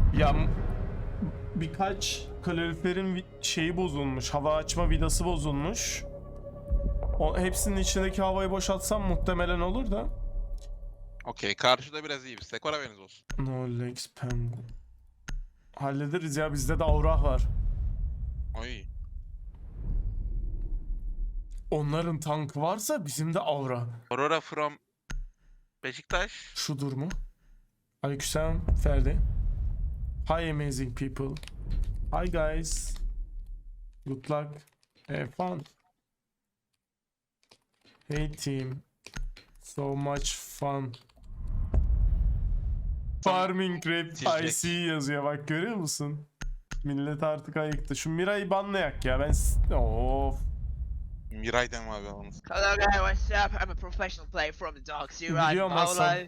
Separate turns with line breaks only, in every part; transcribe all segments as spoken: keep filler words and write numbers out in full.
Ya m- birkaç kaloriferin vi- şeyi bozulmuş. Hava açma vidası bozulmuş. O, hepsinin içindeki havayı boşaltsam muhtemelen olur da.
Okey, karşıda biraz iyi bir Skor haberiniz olsun.
No legs penguin. Hallederiz ya, bizde de aura var.
Oy.
Onların tankı varsa bizim de aura.
Aurora from Beşiktaş.
Şudur mu? Aleykümselam Ferdi. Hi amazing people. Hi guys. Good luck. Have fun. Hey team. So much fun. Farming rap
Titrek.
I C yazıyor, bak görüyor musun? Millet artık ayıktı. Şu Mira'yı banlayak ya, ben s- of.
Miray deme abi onu.
Hello guys, what's up? I'm a professional player from the Dark Sea Ride
Biliyorum Hasan.
Paolo.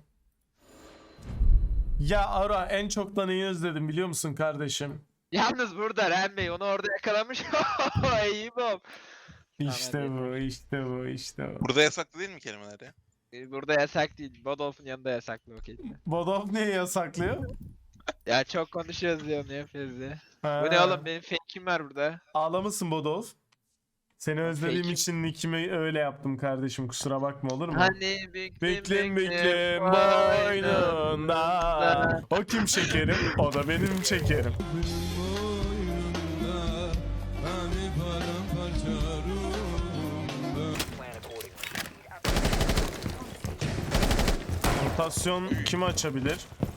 Ya Ara, en çok da neyi özledim biliyor musun kardeşim?
Yalnız burada Ren Bey onu orada yakalamış. İyi bom.
İşte
Tamam,
bu, işte bu, işte bu.
Burada yasaklı değil mi kelimeler ya?
Ee, Burada yasak değil. Bodolf'un yanında yasaklı o kelime.
Bodov niye yasaklıyor?
Ya çok konuşuyoruz diyor ne yapıyoruz ya.
Ha.
Bu ne oğlum, benim fake'im var burada.
Ağla mısın Bodov? Seni özlediğim
Fake'im.
için nickimi öyle yaptım kardeşim, kusura bakma, olur mu?
Hani bekle
Beklem
bekle
beklem boynunda. O kim şekerim? O da benim şekerim. Rotasyon kim açabilir?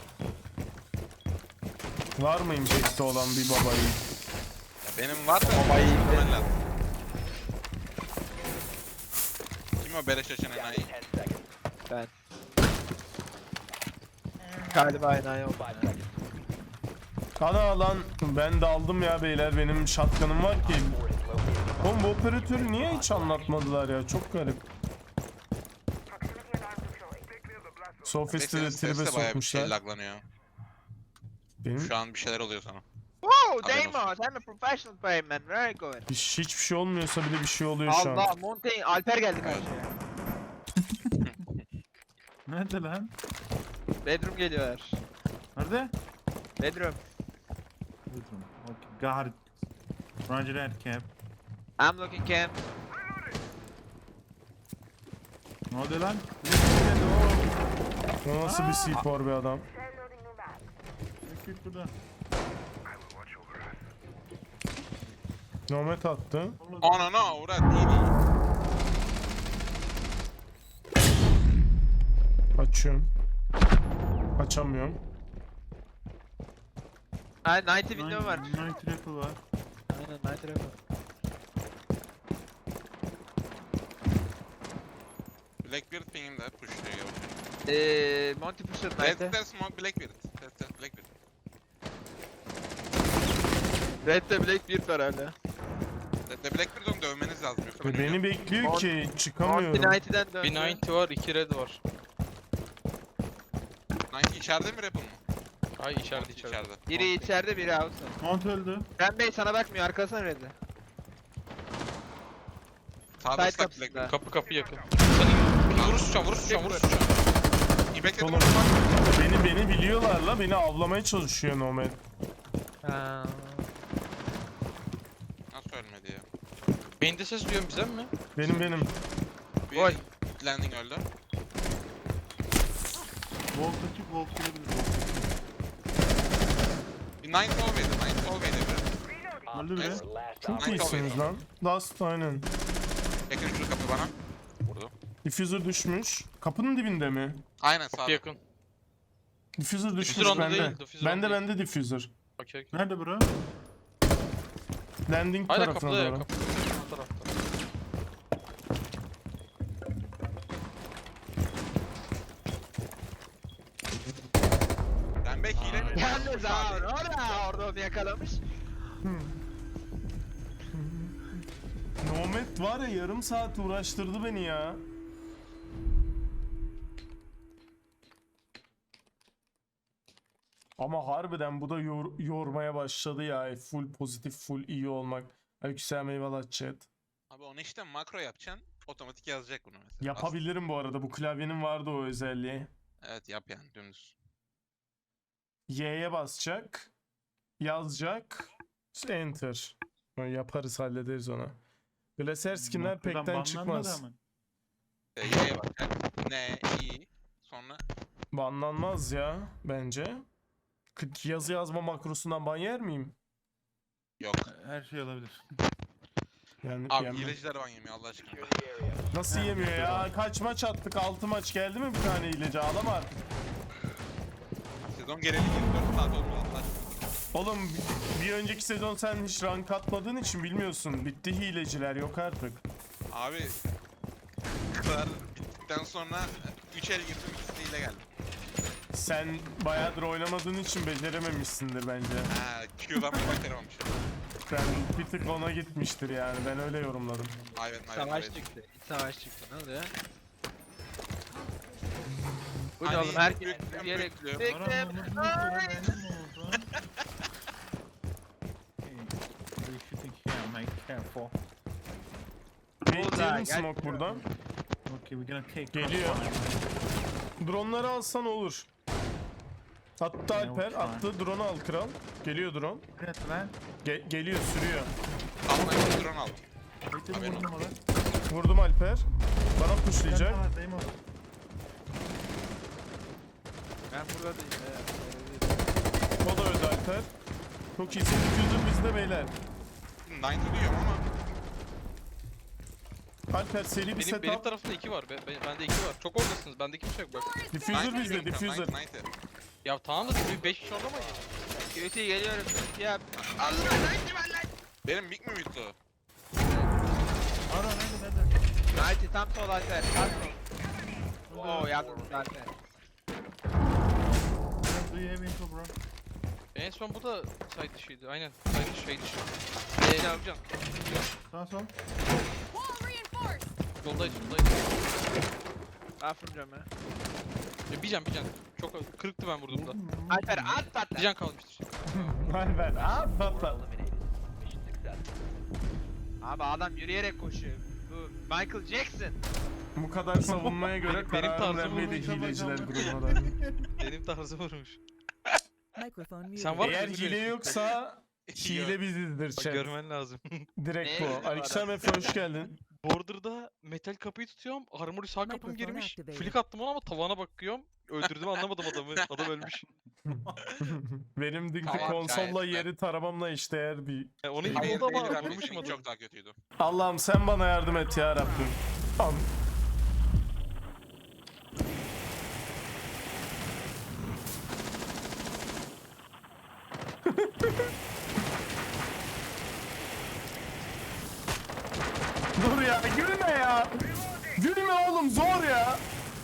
Var mı impact'te olan bir babayı?
Ya benim var da
Babayı
hemen lazım. Kim o beleş açan enayi?
Ben. Galiba aynı oldu.
Ana lan, ben de aldım ya beyler, benim shotgun'ım var ki. Oğlum bu operatörü niye hiç anlatmadılar ya, çok garip. Sophist'i de
Neyse,
tribe
sesle bayağı bir şey
sokmuşlar.
laglanıyor.
Benim
Şu an bir şeyler oluyor sana.
Wow,
Haberin
Deimos, I'm a professional player man. Where are you going?
hiç, hiçbir şey olmuyorsa bile bir şey oluyor şu an.
Allah, Montaigne, Alper geldi
Evet.
karşıya.
Nerede lan?
Bedroom geliyorlar.
Nerede?
Bedroom.
Bedroom. Okay. Got it. Roger that, Cap.
I'm looking camp.
Ne oldu lan?
O nasıl bir C four bir adam?
Git burada.
Nomad attı.
Anana uğrat değil.
Açıyorum. Açamıyorum.
Ha, ninety window var.
Night Rifle var.
Aynen, ninety window.
Blackbeard ping'im de pushluyor yavaş.
Eee, Monty pushladı
Red
ninety.
Dead Smoke Blackbeard. Red Dead Blackbeard.
Red'de Blackbeard var hala.
Red Dead Blackbeard'ı onu dövmeniz lazım yoksa ben
E, beni
ölüyorum.
bekliyor ki
Monty
çıkamıyorum.
ninety'den döndü.
Bir ninety var, iki red var.
Sanki içeride mi rap'ın mı?
Ay içeride içeride.
İçeride.
Biri içeride, biri outside.
Mount öldü.
Ren Bey sana bakmıyor, arkasına Red'de.
Sağda
Side
ıslak
kapısında.
Blackbeard.
Kapı kapı yakın. Sen vurur tutacağım, vurur tutacağım, vurur tutacağım.
İbek'te
Oğlum,
durma.
beni beni biliyorlar la, beni avlamaya çalışıyor Nomad.
Ha.
Nasıl ölmedi ya?
Beyinde ses duyuyorum, bize mi?
Benim benim.
Bir
Oy.
landing öldü.
Volt açık, Volt gelebilir.
Bir nine solvaydı, nine solvaydı biri.
Öldü biri.
Çok
Nine
iyisiniz
solvaydı.
lan. Dust aynen.
Yakın şurada kapı bana. Vurdu.
Diffuser düşmüş. Kapının dibinde mi?
Aynen
Kapı
sağda.
yakın.
Diffuser düşmüş
onda
bende.
değil, diffuser
Bende
onda
bende diffuser.
Okey okey.
Nerede bro?
Landing
Hala
tarafına
kapıda ya,
doğru.
kapıda. Bu tarafta.
Ben belki hile.
Yalnız ha, orada, orada onu yakalamış.
Nomad var ya, yarım saat uğraştırdı beni ya. Ama harbiden bu da yor- yormaya başladı ya. Full pozitif, full iyi olmak. Aleykümselam, eyvallah chat.
Abi onu işte makro yapacaksın. Otomatik yazacak bunu mesela.
Yapabilirim bu arada. Bu klavyenin vardı o özelliği.
Aslında- Evet yap yani dümdüz.
Y'ye basacak. yazacak. Enter. Yaparız, hallederiz ona. Glacier skinler
Noktadan
pekten
banlanmadı
çıkmaz.
ama.
E, Y'ye bak. Ne, iyi. Sonra
Banlanmaz ya bence. K- Yazı yazma makrosundan ban yer miyim?
yok.
Her şey olabilir.
Yani
Abi
yenmem.
hileciler ban yemiyor Allah aşkına.
Nasıl yemiyor ya? Kaç maç attık? altı maç geldi mi bir tane hileci? Ağlama artık.
Sezon geleli yirmi dört saat oldu Allah aşkına.
Oğlum bir önceki sezon sen hiç rank atmadığın için bilmiyorsun. Bitti hileciler, yok artık.
Abi kadar bittikten sonra üç el girdim ikisi hile geldi.
Sen bayağıdır oynamadığın için becerememişsindir bence.
Ha Q'dan bir başaramamışım.
Ben bir tık ona gitmiştir yani. Ben öyle yorumladım.
Aynen aynen.
Savaş
aynen.
çıktı. İç savaş çıktı. Ne oluyor? Bu
Hani
da oğlum herkes
büyük-
yürüyerek
büyük-
bekle.
Aramamız mı sonra benim mi oldu? Hey, we should take care, mate. Careful.
Bekleyelim
gel.
smoke burada.
Okay, we're gonna take
Geliyor. Drone'ları alsan olur. Attı Alper,
uçağı.
attı. Drone'u al kral. Geliyor drone.
Evet lan.
Ge- geliyor, sürüyor.
Altına bir drone aldım.
Bekle
Haberin
vurdum ona.
Vurdum Alper. Bana
Ben
pushlayacak.
daha dayım orada.
Ben burada değilim.
O da öldü Alper. Çok iyisin. Diffuser bizde beyler.
doksan diyorum ama
Alper seri bir
Benim,
setup.
benim tarafımda iki var. Be, be- bende iki var. Çok oradasınız. Bende kimse yok bak.
Diffuser
doksan
bizde,
diyorum,
diffuser.
doksan, doksan.
Ya tamam da bir beş kişi orada mı?
Kötü geliyorum. Ya
Allah doksan var lan. Benim mik mi miydi o?
Ara nerede nerede?
Nighty tam sol Alper. Tam sol. Oo yalnız Alper.
Do you have info bro?
En son bu da side dışıydı. Aynen. Side dışı, şey dışı. Eee yapacağım.
Sağ sol.
Wall reinforced.
Yoldayız, yoldayız.
Aferin ben.
Ya bir can, bir can. Çok kırıktı ben vurduğumda.
Alper at patla.
Bir can kalmıştır.
Alper abi patla.
Abi adam yürüyerek koşuyor. Bu Michael Jackson.
Bu kadar savunmaya göre
Benim- benim
karar
tarzım
vermeyi de
olmayınca
hileciler
bakalım.
grubuna da.
Benim tarzım vurmuş.
Microphone muted.
Sen var
Eğer
mısın?
hile yoksa hile bizizdir
Bak
chat.
görmen lazım.
Ne
Direkt bu.
hile
Aleykümselam
var?
Efe, hoş geldin.
Border'da metal kapıyı tutuyorum. Armory sağ kapım
Microphone
girmiş.
activated.
Flick attım ona ama tavana bakıyorum. Öldürdüm anlamadım adamı. Adam ölmüş.
Benim dünkü
Tamam,
konsolla
gayet
yeri taramamla eşdeğer bir...
Yani onun gibi
Hayır,
oldu ama
hayır,
vurmuşum
benim
adamı.
çok daha kötüydü.
Allah'ım sen bana yardım et ya Rabbim. Am- Dur ya, gülme ya. Gülme oğlum, zor ya.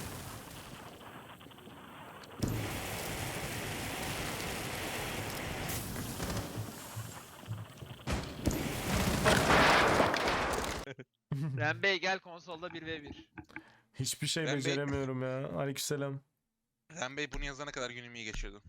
Ren Bey gel konsolda bir ve bir.
Hiçbir şey
Ben be-
beceremiyorum ya. Aleykümselam.
Ren Bey bunu yazana kadar günüm iyi geçiyordu.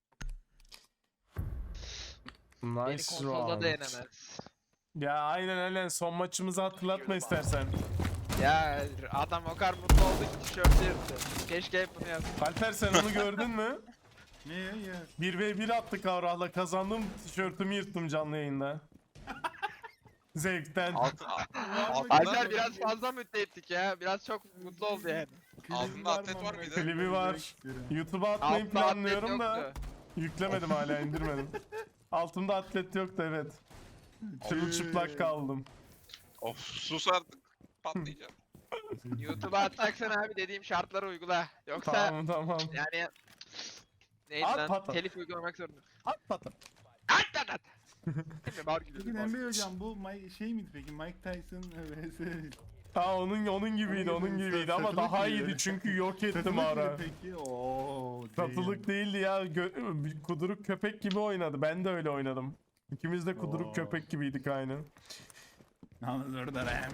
Beni
Nice
konsolda
round.
da yenemez.
Ya aynen aynen, son maçımızı hatırlatma istersen.
Ya adam o kadar mutlu oldu ki tişörtü yırttı. Keşke hep bunu yapsın.
Alper sen onu gördün mü?
Ne ya ya?
bir ve bir attık Avrah'la, kazandım, tişörtümü yırttım canlı yayında. Zevkten.
Altı, altında,
Alper biraz fazla mutlu ettik ya. Biraz çok mutlu oldu yani.
altında atlet var bir de.
Klibi var. YouTube'a atmayı
Altta atlet
planlıyorum da
yoktu.
yüklemedim, hala indirmedim. Altımda atlet yoktu, evet. Çırılçıplak kaldım.
Of sus artık. Patlayacağım.
YouTube'a atacaksan abi dediğim şartları uygula. Yoksa
Tamam tamam.
yani neydi
At
lan?
patlat.
Telif uygulamak zorunda.
At patlat.
At at at. Şimdi bar
Peki
gidiyordu.
Emre hocam bu Mike, şey miydi peki Mike Tyson vs.
Aa onun onun gibiydi,
Onun
onun
gibi,
gibiydi ama
satılık
daha
gibi.
iyiydi çünkü yok ettim
Satılık
ara.
mıydı peki? Ooo.
Satılık değildi ya. Gö- bir kuduruk köpek gibi oynadı. Ben de öyle oynadım. İkimiz de kuduruk
Oo.
köpek gibiydik aynı.
Yalnız orada Ren.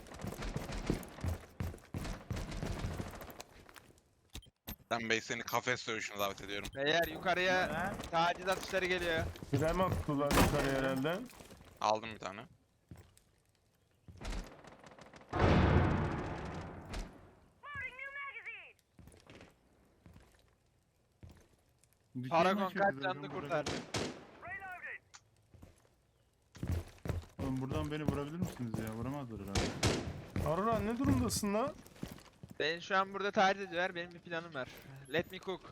Ren Bey seni kafes dövüşüne davet ediyorum.
Beyler yukarıya taciz atışları geliyor.
Krem attılar yukarı herhalde.
Aldım bir tane.
Paragon kaç canını kurtardı.
Oğlum buradan beni vurabilir misiniz ya? Vuramazlar herhalde.
Aurora ne durumdasın lan?
Beni şu an burada taciz ediyorlar. Benim bir planım var. Let me cook.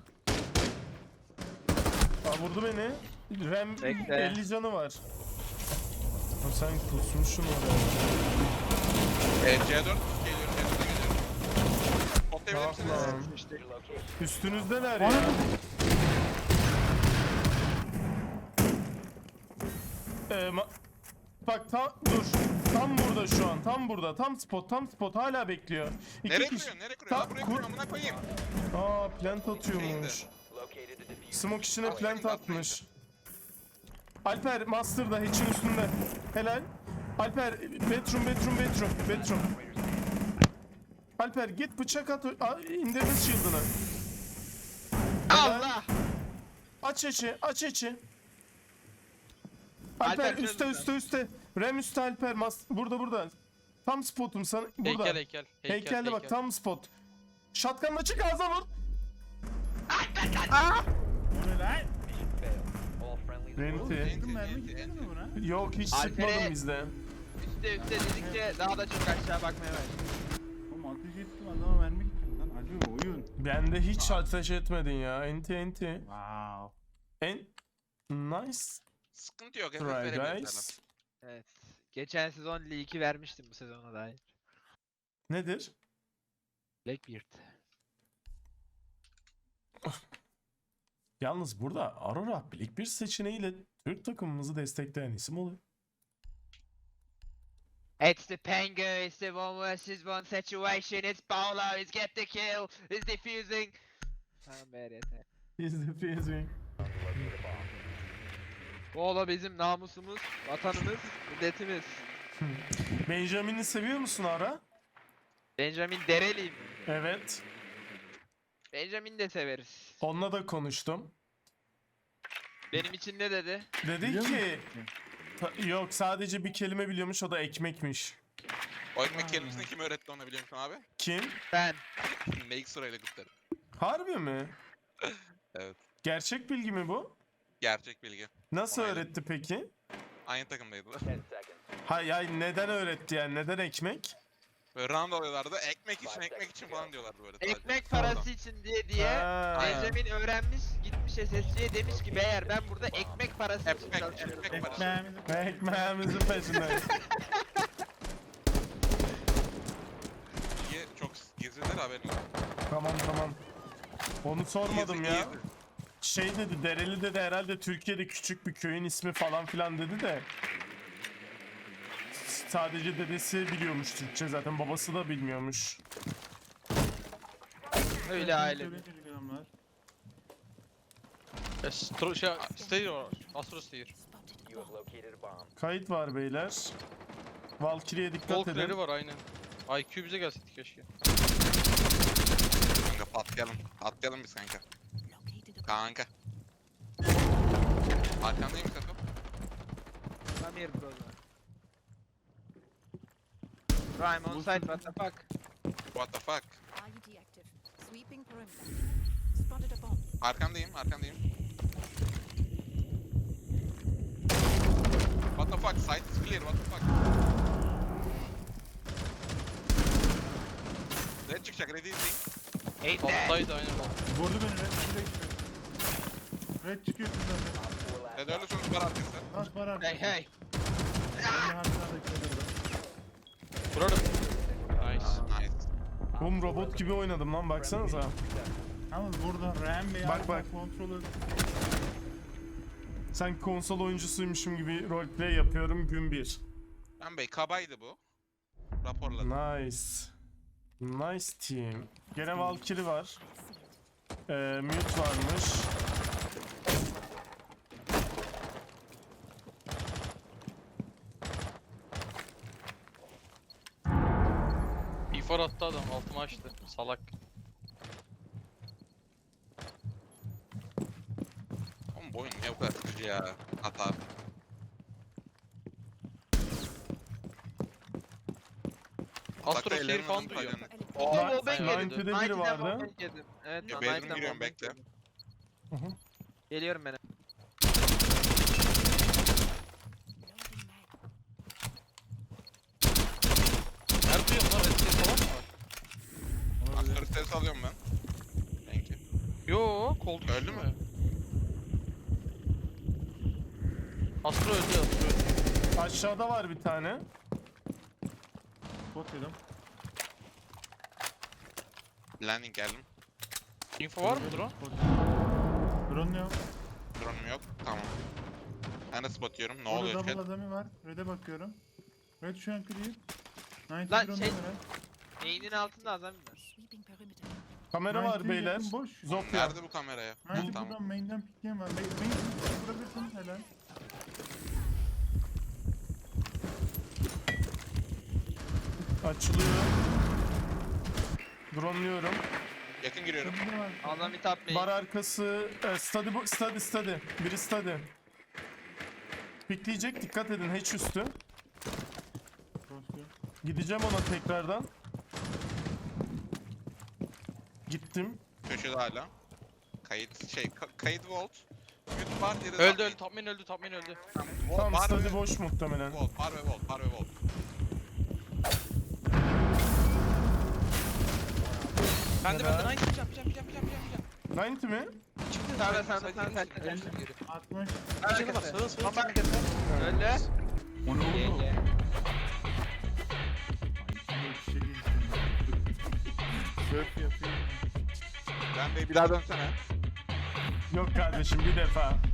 Aa, vurdu beni. Rem
Bekle.
elli canı var. Ha, sen kusmuşsun oraya.
E, C dört geliyorum. C dört'e geliyorum. Toplayabilir misiniz?
Tamam.
İşte
Üstünüzdeler ya. Ee, ma- Bak tam dur. Tam burada şu an. Tam burada. Tam spot. Tam spot. Hala bekliyor. İki
Nereye
kişi-
kuruyorsun? Nereye kuruyorsun?
Ta-
Lan buraya
kur-
kuruyorum. Amına koyayım.
Aa plant atıyormuş. Smoke içine
Atlayın,
plant
atlayın.
atmış. Alper master da hatch'in üstünde. Helal. Alper bedroom bedroom bedroom bedroom. Alper git bıçak at. a- indirme shield'ını. Helal.
Allah!
Aç içi, aç içi. Alper,
Alper
üstte
çözdüm
üstte üstte. Rem üstte Alper. Mas burada burada. Tam spotum sana. Burada.
Heykel heykel. Heykel
Heykelde bak
heykel.
tam spot. Shotgun'la çık ağza vur.
O ne lan?
Renti.
Sıkın mermi gitmedi mi buna?
Yok hiç
Alper'e-
sıkmadım bizde.
Üste üste dedikçe daha da çok aşağı bakmaya başladım.
Oğlum ateş ettim adama mermi gitmedi lan. Acı oyun.
Bende hiç ateş etmedin ya. Enti enti.
Wow.
En nice
Sıkıntı yok.
try
Efekt verebilirler.
guys.
Evet. Geçen sezon iki vermiştim bu sezona dair.
Nedir?
Blackbeard.
Yalnız burada Aurora Blackbeard seçeneğiyle Türk takımımızı destekleyen isim oluyor.
It's the Pengu, it's the one versus one situation, it's Paolo, he's get the kill, he's defusing. Tamam be yeter.
He's defusing.
Paolo bizim namusumuz, vatanımız, milletimiz.
Benjamin'i seviyor musun Ara?
Benjamin Dereliyim.
Evet.
Benjamin de severiz.
Onunla da konuştum.
Benim için ne dedi?
Dedi
Biliyor
ki Ta- yok sadece bir kelime biliyormuş, o da ekmekmiş.
O ekmek kelimesini kim öğretti ona biliyor musun abi?
Kim?
Ben.
Make sırayla kutlarım.
Harbi mi?
Evet.
Gerçek bilgi mi bu?
Gerçek bilgi.
Nasıl
Onaylı.
öğretti peki?
Aynı takımdaydılar.
Hay hay neden öğretti yani? Neden ekmek?
Böyle round alıyorlardı. Ekmek için ekmek için falan diyorlardı böyle. sadece.
Ekmek parası için diye diye
Ha.
Benjamin öğrenmiş, gitmiş S S C'ye demiş ki beyler ben burada ekmek parası için
Ekmek,
çalışıyorum.
ekmek parası.
Ekmeğimizi
Ekmeğimizin peşinde.
Bilgi çok gizlidir haberin yok.
Tamam tamam. Onu sormadım
Gizli,
ya.
gizli.
Şey dedi, Dereli dedi herhalde Türkiye'de küçük bir köyün ismi falan filan dedi de. Sadece dedesi biliyormuş Türkçe, zaten babası da bilmiyormuş.
Öyle aile.
söyleyince adamlar.
Yes, tro- şey, stay or Astro stay.
Kayıt var beyler. Valkyrie'ye dikkat
Volkleri
edin.
var aynen. I Q bize gelseydi keşke.
Kanka patlayalım. Patlayalım biz kanka. Kanka. Arkandayım kanka.
Come here bro. Prime on site, what the fuck?
What the fuck?
R U D active. Sweeping perimeter. Spotted a bomb.
Arkandayım, arkandayım. What the fuck? Site is clear. What the fuck? Red çıkacak. Red izleyin.
Ain't that?
Alttaydı aynen alt.
Vurdu beni red çıkıyor. Red çıkıyor zaten.
Red öyle sonuç var arkası.
Taş var artık.
Hey hey.
Ben de harbiden bekledim.
Vurarım. Nice.
Nice.
Oğlum robot gibi oynadım lan, baksanıza.
Yalnız burada RAM ve
Bak, bak.
kontrolü.
Sanki konsol oyuncusuymuşum gibi roleplay yapıyorum gün bir.
Ben bey kabaydı bu. Raporladım.
Nice. Nice team. Gene Valkyrie var. Ee, mute varmış.
İfor attı adam, altıma açtı. Salak.
Oğlum bu oyun niye bu kadar sıkıcı ya? Hata.
Astro
Uzakta
stay
ellerini
falan
alın,
duyuyor.
paylarını.
Oo,
Nine-
wallbang
Ninety'de
yedim.
biri
Ninety'den
vardı.
wallbang yedim. Evet,
Ya,
lan,
Bedroom
Ninety'den
giriyorum,
wallbang
bekle.
yedim.
Hı hı.
Geliyorum ben.
Loading mag.
alıyorum ben. Thank you.
Yo, koltuk
Öldü
üstü
mü?
Astro öldü, Astro öldü.
Aşağıda var bir tane.
Spot yedim.
Landing geldim.
Info var mı drone?
Spot. Drone yok.
Drone'um yok. Tamam. Ben de spot yiyorum. Ne
Orada
oluyor
double
chat?
adamı var. Red'e bakıyorum. Red şu an clear. doksan
Lan
drone
şey-
var.
Neyinin altında adam var.
Sweeping perimeter.
Kamera var
doksan
beyler.
yakın boş.
Zofia.
Nerede bu kamera ya?
doksan
Tamam.
buradan main'den pikleyen var. Main, main vurabilirsiniz helal.
Açılıyor. Dronluyorum.
Yakın giriyorum.
Double var.
Adam bir tap
Bar arkası. E, study, bu- study, study. Biri study. Pikleyecek, dikkat edin, hatch üstü.
Cross yok.
Gideceğim ona tekrardan. Gittim.
Köşede hala. Kayıt şey ka- kayıt vault. Mute bar diğeri
Öldü
de-
öldü, top main öldü, top main öldü.
Vault,
Tam
bar
study
ve
boş muhtemelen.
vault, bar ve vault, bar ve vault.
Ben de
Helal.
ben de nice yapacağım, yapacağım, yapacağım, yapacağım.
doksan mi?
Çıktı.
Sağda,
side-
sağda,
side-
sağda,
side-
sağda.
side- side- geri.
altmış.
Bir canı var, sağa sağa.
Bomba arkası. Öldü.
O ne
Ye
oldu?
ye.
Ay, içine kişi girsin. Surf yapıyor.
Ben de bir daha dönsene.
Yok kardeşim, bir defa.